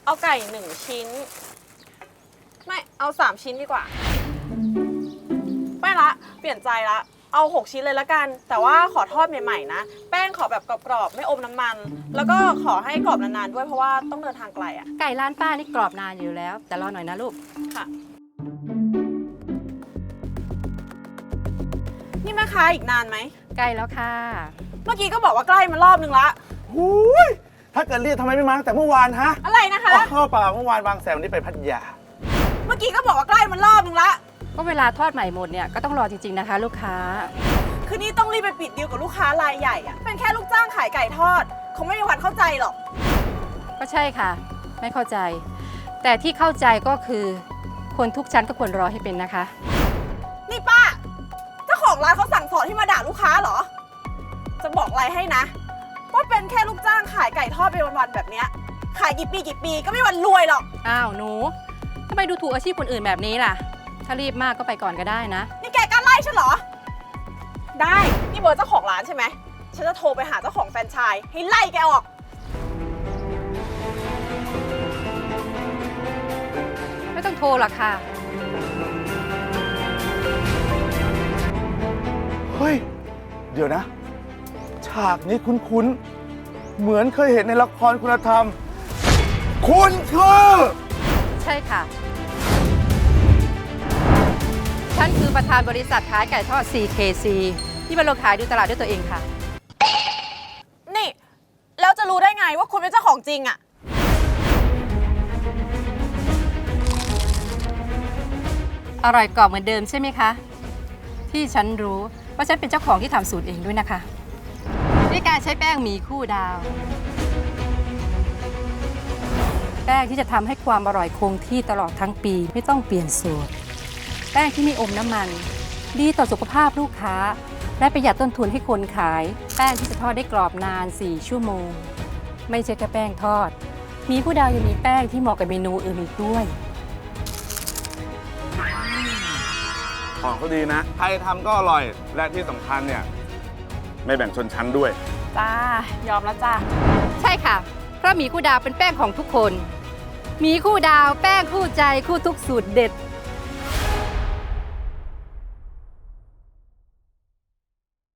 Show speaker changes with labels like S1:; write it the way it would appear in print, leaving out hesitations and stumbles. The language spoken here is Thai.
S1: เอาไก่1 ชิ้นไม่เอา3 ชิ้นดีกว่าไม่ละเปลี่ยนใจละเอา6 ชิ้นเลยละกันแต่ว่าขอทอดใหม่ๆนะแป้งขอแบบกรอบๆไม่อมน้ำมัน แล้วก็ขอให้กรอบนานๆด้วยเพราะว่าต้องเดินทางไกลอ่ะ
S2: ไก่ร้านป้านี่กรอบนานอยู่แล้ว แต่รอหน่อยนะลูก
S1: ค่ะ นี่แม่ค้าอีกนานไหม
S2: ใกล้แล้วค่ะ
S1: เมื่อกี้ก็บอกว่าใกล้มารอบนึงละ
S3: หูยถ้าเกิดเรียกทำไมไม่มาตั้งแต่เมื่อวานฮะ
S1: อะไรนะคะ
S3: เข้าเปล่าเมื่อวานบางแสนวันนี้ไปพัทยา
S1: เมื่อกี้ก็บอกว่าใกล้มารอบนึงละ
S2: ก็เวลาทอดใหม่หมดเนี่ยก็ต้องรอจริงๆนะคะ ลูกค้า
S1: คือนี่ต้องรีบไปปิดดีลกับลูกค้ารายใหญ่อะเป็นแค่ลูกจ้างขายไก่ทอดคงไม่มีวันเข้าใจหรอก
S2: ก็ใช่ค่ะ ไม่เข้าใจ แต่ที่เข้าใจก็คือ คนทุกชั้นก็ควรรอให้เป็นนะคะ
S1: นี่ป้าเจ้าของร้านเขาสั่งสอนให้มาด่าลูกค้าเหรอ จะบอกอะไรให้นะ ว่าเป็นแค่ลูกจ้างขายไก่ทอดไปวันๆแบบเนี้ยขายกี่ปีก็ไม่มีวันรวยหรอก
S2: อ้าวหนูทำไมดูถูกอาชีพคนอื่นแบบนี้ล่ะ ถ้ารีบมากก็ไปก่อนก็ได้นะ
S1: นี่แกกล้าไล่ฉันเหรอ ได้ นี่เบอร์เจ้าของร้านใช่ไหม ฉันจะโทรไปหาเจ้าของแฟรนไชส์ให้ไล่แกออก
S2: ไม่ต้องโทรหรอกค่ะ
S3: เฮ้ย เดี๋ยวนะ ฉากนี้คุ้นๆ เหมือนเคยเห็นในละครคุณธรรม คุณคือ
S2: ใช่ค่ะ ฉันคือประธานบริษัทขายไก่ทอด CKC ที่มาลงขายดูตลาดด้วยตัวเองค่ะ
S1: นี่ แล้วจะรู้ได้ไงว่าคุณเป็นเจ้าของจริงอะ
S2: อร่อยกรอบเหมือนเดิมใช่ไหมคะ ที่ฉันรู้ว่าฉันเป็นเจ้าของที่ทำสูตรเองด้วยนะคะด้วยการใช้แป้งหมี่คู่ดาว แป้งที่จะทำให้ความอร่อยคงที่ตลอดทั้งปีไม่ต้องเปลี่ยนสูตร แป้งที่ไม่อมน้ำมัน ดีต่อสุขภาพลูกค้า และประหยัดต้นทุนให้คนขาย แป้งที่จะทอดได้กรอบนาน 4 ชั่วโมง ไม่ใช่แค่แป้งทอดหมีคู่ดาวยังมีแป้งที่เหมาะกับเมนูอื่นอีกด้วย
S3: ของเขาดีนะ ใครทำก็อร่อย และที่สำคัญเนี่ย ไม่แบ่งชนชั้นด้วย
S1: จ้า ยอมแล้วจ้า
S2: ใช่ค่ะ เพราะหมีคู่ดาวเป็นแป้งของทุกคนหมีคู่ดาวแป้งคู่ใจคู่ทุกสูตรเด็ด